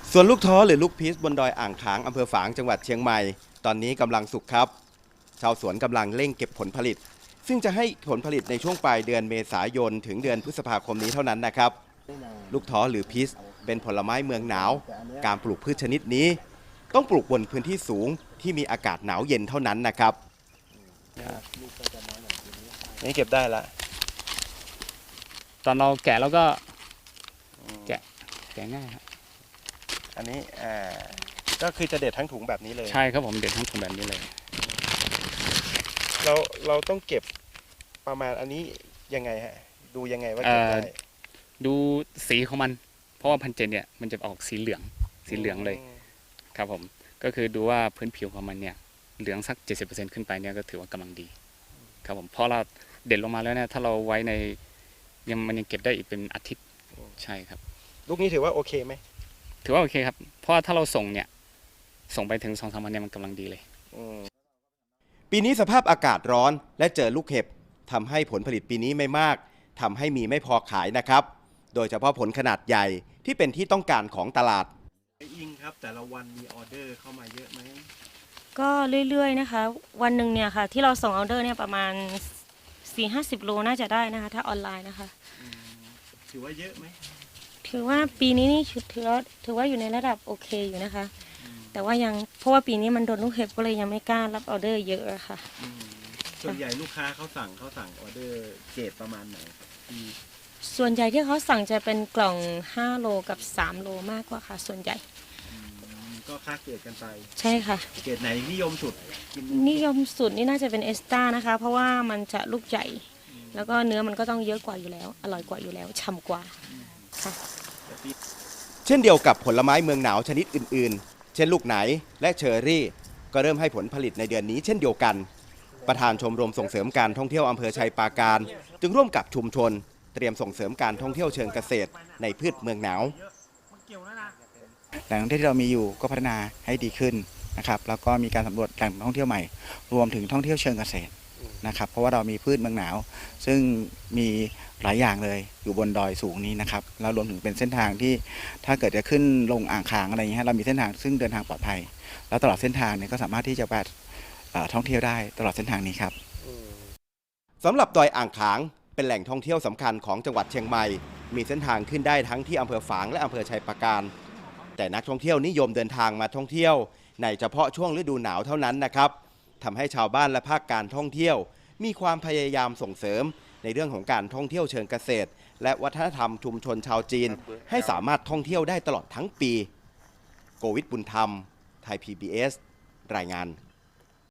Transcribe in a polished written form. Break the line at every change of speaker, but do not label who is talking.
ส่วนลูกท้อหรือลูกพีชบนดอยอ่างขางอำเภอฝางจังหวัดเชียงใหม่ตอนนี้กำลังสุกครับชาวสวนกำลังเร่งเก็บผลผลิตซึ่งจะให้ผลผลิตในช่วงปลายเดือนเมษายนถึงเดือนพฤษภาคมนี้เท่านั้นนะครับลูกท้อหรือพีชเป็นผลไม้เมืองหนาวการปลูกพืชชนิดนี้ต้องปลูกบนพื้นที่สูงที่มีอากาศหนาวเย็นเท่านั้นนะครับนี่เก็บได้ละ
ตอนเราแกะแล้วก็แกะง่ายครับ
อันนี้ก็คือจะเด็ดทั้งถุงแบบนี้เลย
ใช่ครับผมเด็ดทั้งถุงแบบนี้เลย
เราต้องเก็บประมาณอันนี้ยังไงฮะดูยังไงว่าเก็บได้
ดูสีของมันเพราะว่าพันเจนเนี่ยมันจะออกสีเหลืองเลยครับผมก็คือดูว่าพื้นผิวของมันเนี่ยเหลืองสัก 70% ขึ้นไปเนี่ยก็ถือว่ากำลังดีครับผมเพราะเราเด็ดลงมาแล้วเนี่ยถ้าเราไว้ในมันยังเก็บได้อีกเป็นอาทิตย์ใช่ครับ
ลูกนี้ถือว่าโอเคไหม
ถือว่าโอเคครับเพราะว่าถ้าเราส่งไปถึง 2-3 วันเนี่ยมันกำลังดีเลย
ปีนี้สภาพอากาศร้อนและเจอลูกเห็บทำให้ผลผลิตปีนี้ไม่มากทำให้มีไม่พอขายนะครับโดยเฉพาะผลขนาดใหญ่ที่เป็นที่ต้องการของตลาดอิงครับแต่ละวันมีออเดอร์เข้ามาเยอะไหม
ก็เรื่อยๆนะคะวันหนึ่งเนี่ยค่ะที่เราส่งออเดอร์เนี่ยประมาณ 4-50 โลน่าจะได้นะคะถ้าออนไลน์นะคะ
ถือว่าเยอะไหม
ถือว่าปีนี้นี่ถือว่าอยู่ในระดับโอเคอยู่นะคะแต่ว่ายังเพราะว่าปีนี้มันโดนลูกเห็บก็เลยยังไม่กล้ารับออเดอร์เยอะค่ะ
ส่วนใหญ่ลูกค้าเขาสั่งออเดอร์เกรดประมาณไหน
ส่วนใหญ่ที่เขาสั่งจะเป็นกล่อง5โลกับ3โลมากกว่าค่ะส่วนใหญ่
ก็ค่าเกรดกันไป
ใช่ค่ะ
เกรดไหนนิยมสุด
นิยมสุดนี่น่าจะเป็นเอสตานะคะเพราะว่ามันจะลูกใหญ่แล้วก็เนื้อมันก็ต้องเยอะกว่าอยู่แล้วอร่อยกว่าอยู่แล้วฉ่ำกว่าค่ะ
เช่นเดียวกับผลไม้เมืองหนาวชนิดอื่นๆเช่นลูกไหนและเชอร์รี่ก็เริ่มให้ผลผลิตในเดือนนี้เช่นเดียวกันประธานชมรมส่งเสริมการท่องเที่ยวอำเภอชัยปราการจึงร่วมกับชุมชนเตรียมส่งเสริมการท่องเที่ยวเชิงเกษตรในพืชเมืองหนาว
แหล่งท่องเที่ยวที่เรามีอยู่ก็พัฒนาให้ดีขึ้นนะครับแล้วก็มีการสำรวจแหล่งท่องเที่ยวใหม่รวมถึงท่องเที่ยวเชิงเกษตรนะครับเพราะว่าเรามีพืชเมืองหนาวซึ่งมีหลายอย่างเลยอยู่บนดอยสูงนี้นะครับแล้วรวมถึงเป็นเส้นทางที่ถ้าเกิดจะขึ้นลงอ่างขางอะไรอย่างเงี้ยเรามีเส้นทางซึ่งเดินทางปลอดภัยแล้วตลอดเส้นทางเนี่ยก็สามารถที่จะไปท่องเที่ยวได้ตลอดเส้นทางนี้ครับ
สำหรับดอยอ่างขางเป็นแหล่งท่องเที่ยวสำคัญของจังหวัดเชียงใหม่มีเส้นทางขึ้นได้ทั้งที่อำเภอฝางและอำเภอชัยปราการแต่นักท่องเที่ยวนิยมเดินทางมาท่องเที่ยวในเฉพาะช่วงฤดูหนาวเท่านั้นนะครับทำให้ชาวบ้านและภาคการท่องเที่ยวมีความพยายามส่งเสริมในเรื่องของการท่องเที่ยวเชิงเกษตรและวัฒนธรรมชุมชนชาวจีนให้สามารถท่องเที่ยวได้ตลอดทั้งปีโกวิทบุญธรรมไทย PBS รายงาน